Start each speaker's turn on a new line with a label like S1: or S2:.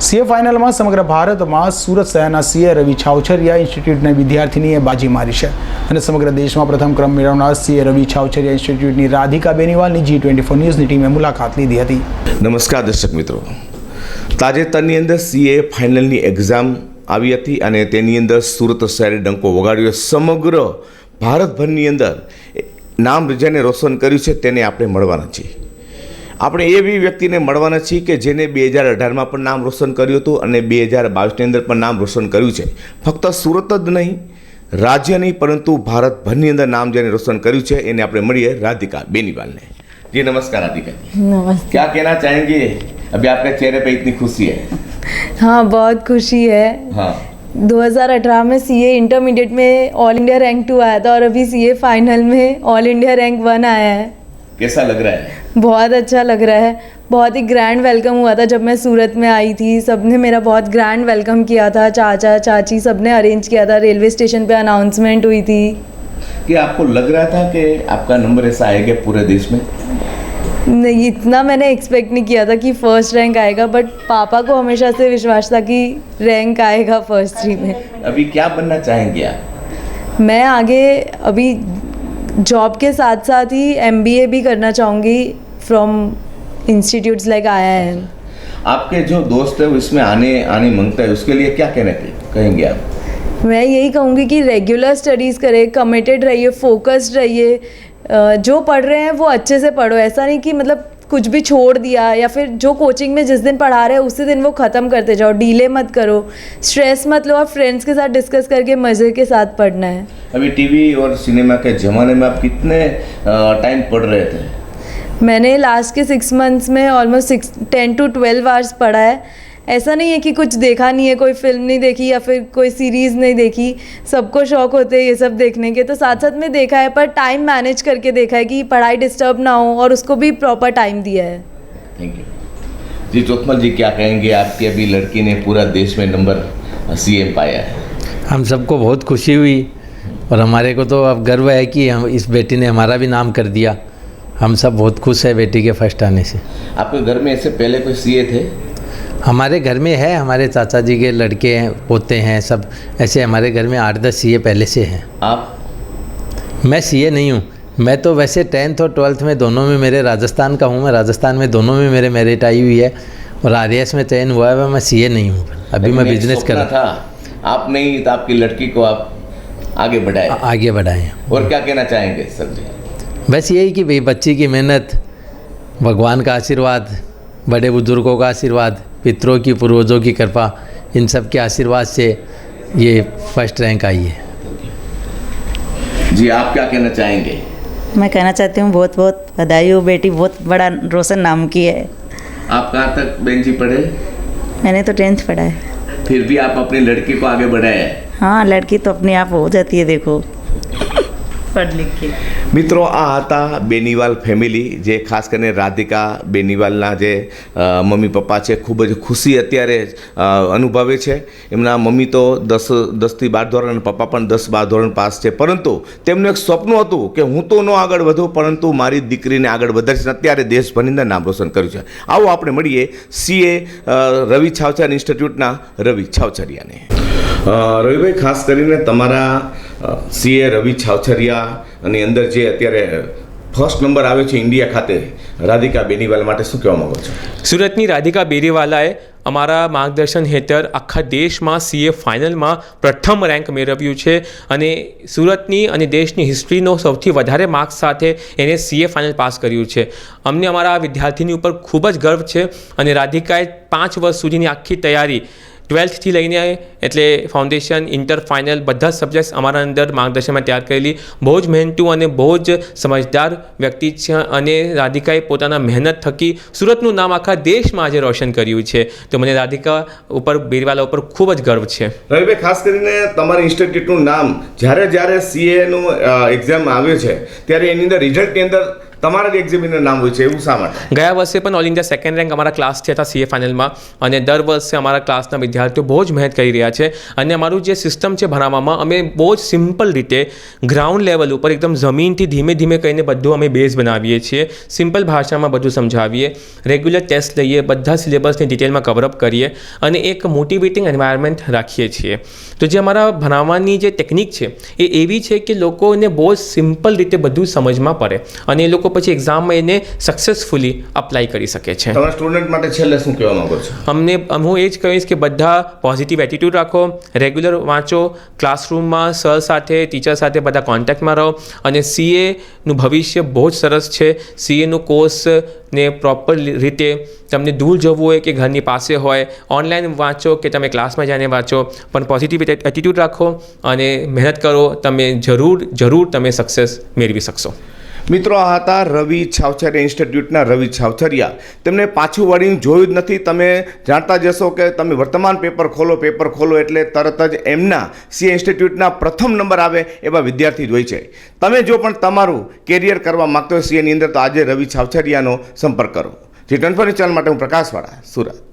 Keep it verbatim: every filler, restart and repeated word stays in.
S1: CA ફાઇનલમાં સમગ્ર ભારતમાં સુરત શહેરના સીએ રવિ છાવછરિયા ઇન્સ્ટિટ્યૂટની વિદ્યાર્થીનીએ બાજી મારી છે અને સમગ્ર દેશમાં પ્રથમ ક્રમ મેળવનાર સીએ રવિ છાવછરિયા ઇન્સ્ટિટ્યૂટની રાધિકા બેનીવાલની જી ટ્વેન્ટી ફોર ન્યૂઝની ટીમે મુલાકાત લીધી હતી.
S2: નમસ્કાર દર્શક મિત્રો, તાજેતરની અંદર સીએ ફાઇનલની એક્ઝામ આવી હતી અને તેની અંદર સુરત શહેરે ડંકો વગાડ્યો. સમગ્ર ભારતભરની અંદર નામ જેને રોશન કર્યું છે તેને આપણે મળવાના છીએ. આપણે એવી વ્યક્તિને મળવાના છીએ કે જેને બે હજાર અઢારમાં પણ નામ રોશન કર્યું હતું અને બે હજાર બાવીસની અંદર પણ નામ રોશન કર્યું છે. ફક્ત સુરત જ નહીં, રાજ્ય નહીં, પરંતુ ભારતભરની અંદર નામ જેને રોશન કર્યું છે એને આપણે મળીએ રાધિકા બેનીવાલને. जी नमस्कार राधिका जी.
S3: नमस्ते.
S2: क्या कहना चाहेंगे, अभी आपके चेहरे पे इतनी खुशी है?
S3: हाँ, बहुत खुशी है.
S2: हाँ.
S3: दो हज़ार अठारह में सीए इंटरमीडिएट में ऑल इंडिया रैंक टू आया था और अभी सीए फाइनल में ऑल इंडिया रैंक वन आया है.
S2: कैसा लग रहा है?
S3: बहुत अच्छा लग रहा है. बहुत ही ग्रैंड वेलकम हुआ था जब मैं सूरत में आई थी. सबने मेरा बहुत ग्रैंड वेलकम किया था. चाचा चाची सबने अरेंज किया था. रेलवे स्टेशन पे अनाउंसमेंट हुई थी.
S2: कि आपको लग रहा था कि आपका नंबर ऐसा आएगा पूरे देश में?
S3: नहीं, इतना मैंने एक्सपेक्ट नहीं किया था कि फर्स्ट रैंक आएगा, बट पापा को हमेशा से विश्वास था कि रैंक आएगा फर्स्ट थ्री में.
S2: अभी क्या बनना चाहेंगे आप?
S3: मैं आगे अभी जॉब के साथ साथ ही एमबीए भी करना चाहूँगी from institutes like I I M.
S2: आपके जो दोस्त है उसमें आने आने मांगता है, उसके लिए क्या कहना कहेंगे आप?
S3: मैं यही कहूँगी कि रेगुलर स्टडीज़ करें, कमिटेड रहिए, फोकस्ड रहिए. जो पढ़ रहे हैं वो अच्छे से पढ़ो. ऐसा नहीं कि मतलब कुछ भी छोड़ दिया या फिर जो कोचिंग में जिस दिन पढ़ा रहे हैं उसी दिन वो ख़त्म करते जाओ. डीले मत करो, स्ट्रेस मत लो और फ्रेंड्स के साथ डिस्कस करके मज़े के साथ पढ़ना है.
S2: अभी टीवी और सिनेमा के ज़माने में आप कितने टाइम पढ़ रहे थे?
S3: मैंने लास्ट के सिक्स मंथ्स में almost six ten to twelve hours पढ़ा है. ऐसा नहीं है कि कुछ देखा नहीं है, कोई फिल्म नहीं देखी या फिर कोई सीरीज़ नहीं देखी. सबको शौक होते हैं ये सब देखने के, तो साथ साथ में देखा है, पर टाइम मैनेज करके देखा है कि पढ़ाई डिस्टर्ब ना हो और उसको भी प्रॉपर टाइम दिया है.
S2: थैंक यू जी. चोथमल जी, क्या कहेंगे, आपकी अभी लड़की ने पूरा देश में नंबर सीएम पाया है?
S4: हम सबको बहुत खुशी हुई और हमारे को तो अब गर्व है कि हम इस बेटी ने हमारा भी नाम कर दिया. हम सब बहुत खुश है बेटी के फर्स्ट आने से.
S2: आपके घर में ऐसे पहले कोई सीए थे?
S4: हमारे घर में है, हमारे चाचा जी के लड़के हैं, पोते हैं, सब ऐसे हमारे घर में आठ दस सीए पहले से हैं.
S2: आप?
S4: मैं सीए नहीं हूँ. मैं तो वैसे टेंथ और ट्वेल्थ में दोनों में मेरे राजस्थान का हूँ. मैं राजस्थान में दोनों में मेरे मेरिट आई हुई है और आर एस में चयन हुआ है. मैं सीए नहीं हूँ. अभी मैं बिजनेस कर रहा
S2: था. आप नहीं तो आपकी लड़की को आप आगे बढ़ाए
S4: आगे बढ़ाएँ.
S2: और क्या कहना चाहेंगे सर जी?
S4: बस यही कि भाई बच्ची की मेहनत, भगवान का आशीर्वाद, बड़े बुजुर्गों का आशीर्वाद, पितरों की पूर्वजों की कृपा, इन सब के आशीर्वाद से ये फर्स्ट रैंक आई है.
S2: जी, आप क्या कहना चाहेंगे?
S5: मैं कहना चाहती हूँ बहुत बहुत बधाई हो, बेटी बहुत बड़ा रोशन नाम की है.
S2: आप कहाँ तक बहन जी पढ़े?
S5: मैंने तो टेंथ पढ़ा है.
S2: फिर भी आप अपनी लड़की को आगे बढ़ाए?
S5: हाँ, लड़की तो अपने आप हो जाती है, देखो पढ़ लिख के.
S2: મિત્રો, આ હતા બેનીવાલ ફેમિલી, જે ખાસ કરીને રાધિકા બેનીવાલના જે મમ્મી પપ્પા છે ખૂબ જ ખુશી અત્યારે અનુભવે છે. એમના મમ્મી તો દસ દસથી બાર ધોરણ અને પપ્પા પણ દસ બાર ધોરણ પાસ છે, પરંતુ તેમનું એક સપનું હતું કે હું તો ન આગળ વધું પરંતુ મારી દીકરીને આગળ વધારીશ. અત્યારે દેશભરની અંદર નામ રોશન કર્યું છે. આવો આપણે મળીએ સીએ રવિ છાવછરિયા ઇન્સ્ટિટ્યૂટના રવિ છાવછરિયાને. રવિભાઈ, ખાસ કરીને તમારા સીએ રવિ છાવછરિયા અને અંદર જે અત્યારે ફર્સ્ટ નંબર આવ્યો છે ઇન્ડિયા ખાતે, રાધિકા બેનીવાલ માટે શું કહેવા માંગો છો?
S6: સુરતની રાધિકા બેનીવાલાએ અમારા માર્ગદર્શન હેઠળ આખા દેશમાં સીએ ફાઇનલમાં પ્રથમ રેન્ક મેળવ્યું છે અને સુરતની અને દેશની હિસ્ટ્રીનો સૌથી વધારે માર્ક્સ સાથે એને સીએ ફાઇનલ પાસ કર્યું છે. અમને અમારા વિદ્યાર્થીની ઉપર ખૂબ જ ગર્વ છે અને રાધિકાએ પાંચ વર્ષ સુધીની આખી તૈયારી ટ્વેલ્થથી લઈને એટલે ફાઉન્ડેશન, ઇન્ટર, ફાઇનલ બધા જ સબ્જેક્ટ્સ અમારા અંદર માર્ગદર્શનમાં તૈયાર કરેલી. બહુ જ મહેનતુ અને બહુ જ સમજદાર વ્યક્તિ છે અને રાધિકાએ પોતાના મહેનત થકી સુરતનું નામ આખા દેશમાં આજે રોશન કર્યું છે. તો મને રાધિકા ઉપર, બેનીવાલ ઉપર ખૂબ જ ગર્વ છે.
S2: રવિભાઈ, ખાસ કરીને તમારા ઇન્સ્ટિટ્યૂટનું નામ જ્યારે જ્યારે સીએનું એક્ઝામ આવ્યું છે ત્યારે એની અંદર રિઝલ્ટની અંદર તમારા જ એક્ઝામિનર નામ હોય છે એવું શા માટે?
S6: ગયા વર્ષે પણ ઓલ ઇન્ડિયા સેકન્ડ રેન્ક અમારા ક્લાસથી હતા સીએ ફાઇનલમાં, અને દર વર્ષે અમારા ક્લાસના વિદ્યાર્થીઓ બહુ જ મહેનત કરી રહ્યા છે. અને અમારું જે સિસ્ટમ છે ભણાવવામાં, અમે બહુ જ સિમ્પલ રીતે ગ્રાઉન્ડ લેવલ ઉપર એકદમ જમીનથી ધીમે ધીમે કહીને બધું અમે બેઝ બનાવીએ છીએ. સિમ્પલ ભાષામાં બધું સમજાવીએ, રેગ્યુલર ટેસ્ટ લઈએ, બધા સિલેબસની ડિટેલમાં કવરઅપ કરીએ અને એક મોટિવેટિંગ એન્વાયરમેન્ટ રાખીએ છીએ. તો જે અમારા ભણાવવાની જે ટેકનિક છે એ એવી છે કે લોકોને બહુ જ સિમ્પલ રીતે બધું સમજમાં પડે અને એ લોકો પછી એક્ઝામમાં એને સક્સેસફુલી અપ્લાય કરી શકે છે.
S2: તમારા સ્ટુડન્ટ માટે છેલ્લે શું કહેવા માંગો છો?
S6: અમને હું એ જ કહીશ કે બધા પોઝિટિવ એટીટ્યૂડ રાખો, રેગ્યુલર વાંચો, ક્લાસરૂમમાં સર સાથે, ટીચર સાથે બધા કોન્ટેક્ટમાં રહો, અને સીએનું ભવિષ્ય બહુ જ સરસ છે. સીએનું કોર્સ ને પ્રોપર રીતે તમને દૂર જવું હોય કે ઘરની પાસે હોય, ઓનલાઈન વાંચો કે તમે ક્લાસમાં જઈને વાંચો, પણ પોઝિટિવ એટીટ્યૂડ રાખો અને મહેનત કરો, તમે જરૂર જરૂર તમે સક્સેસ મેળવી શકશો.
S2: મિત્રો, આ હતા રવિ છાવછરિયા ઇન્સ્ટિટ્યૂટના રવિ છાવછરિયા. તેમને પાછું વળીને જોયું જ નથી. તમે જાણતા જશો કે તમે વર્તમાન પેપર ખોલો પેપર ખોલો એટલે તરત જ એમના સીએ ઇન્સ્ટિટ્યૂટના પ્રથમ નંબર આવે એવા વિદ્યાર્થી જ હોય છે. તમે જો પણ તમારું કેરિયર કરવા માગતો હોય સીએની અંદર, તો આજે રવિ છાવછરિયાનો સંપર્ક કરો. જી ટ્વેન્ટી ફોર ચેનલ માટે હું પ્રકાશવાળા, સુરત.